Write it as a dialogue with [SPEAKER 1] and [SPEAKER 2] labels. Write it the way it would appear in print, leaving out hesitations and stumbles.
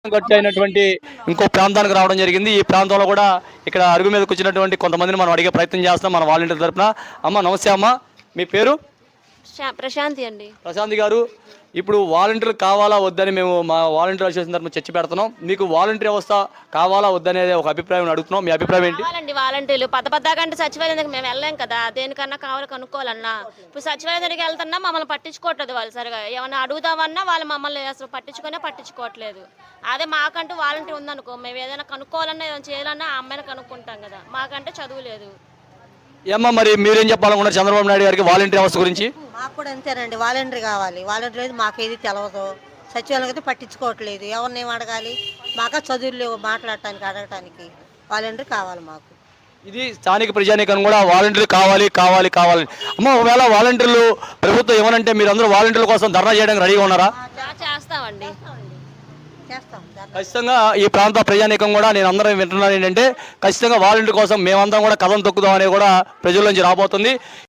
[SPEAKER 1] గట్టి అయినటువంటి ఇంకో ప్రాంతానికి రావడం జరిగింది. ఈ ప్రాంతంలో కూడా ఇక్కడ అరుగు మీద కూర్చున్నటువంటి కొంతమందిని మనం అడిగే ప్రయత్నం చేస్తాం మన వాలంటీర్ తరపున. అమ్మ నమస్తే అమ్మ, మీ పేరు?
[SPEAKER 2] ప్రశాంతి అండి.
[SPEAKER 1] ప్రశాంతి గారు, ఇప్పుడు వాలంటీర్లు కావాలా వద్దని మేము మా వాలంటీర్ అసోసియేషన్ తరపున చర్చ పెడుతున్నాం. మీకు వాలంటీర్ వ్యవస్థ కావాలా వద్దనేది ఒక అభిప్రాయం అడుగుతున్నాం. మీ అభిప్రాయం ఏంటి?
[SPEAKER 2] కావాలండి వాలంటీర్లు. కంటే సచివాలయం మేము వెళ్ళాం కదా, దేనికన్నా కావాలి కనుక్కోవాలన్నా. ఇప్పుడు సచివాలయం దగ్గరికి వెళ్తున్నా మమ్మల్ని పట్టించుకోవట్లేదు వాళ్ళు సరిగా. ఏమన్నా అడుగుదామన్నా వాళ్ళు మమ్మల్ని అసలు పట్టించుకోవట్లేదు. అదే మాకంటూ వాలంటీర్ ఉందనుకో, మేము ఏదైనా కనుక్కోవాలన్నా ఏదైనా చేయాలన్నా ఆ అమ్మాయిని కనుక్కుంటాం కదా. మాకంటే చదువు లేదు.
[SPEAKER 1] ఏమ్మా మరి మీరేం చెప్పాలనుకున్నారు చంద్రబాబు నాయుడు గారికి వాలంటీర్ వ్యవస్థ గురించి?
[SPEAKER 3] మాకు కూడా అంతేనండి, వాలంటీర్ కావాలి. వాలంటీర్ అయితే మాకేది తెలవదు, సచివాలయం అయితే పట్టించుకోవట్లేదు. ఎవరిని ఏం అడగాలి, మాకు చదువులు లేవు మాట్లాడటానికి అడగటానికి. వాలంటీర్ కావాలి మాకు.
[SPEAKER 1] ఇది స్థానిక ప్రజానీకం కూడా వాలంటీర్లు కావాలి కావాలి కావాలి. అమ్మ ఒకవేళ వాలంటీర్లు ప్రభుత్వం ఏమనంటే మీరు అందరూ వాలంటీర్ల కోసం ధర్నా చేయడానికి రెడీగా ఉన్నారా?
[SPEAKER 2] చేస్తామండి,
[SPEAKER 3] చేస్తాం.
[SPEAKER 1] ఖచ్చితంగా ఈ ప్రాంత ప్రజానీకం కూడా నేను అందరం వింటున్నాను ఏంటంటే ఖచ్చితంగా వాలంటీర్ కోసం మేమందరం కూడా కథం తొక్కుదాం అనేది కూడా ప్రజల నుంచి రాబోతుంది.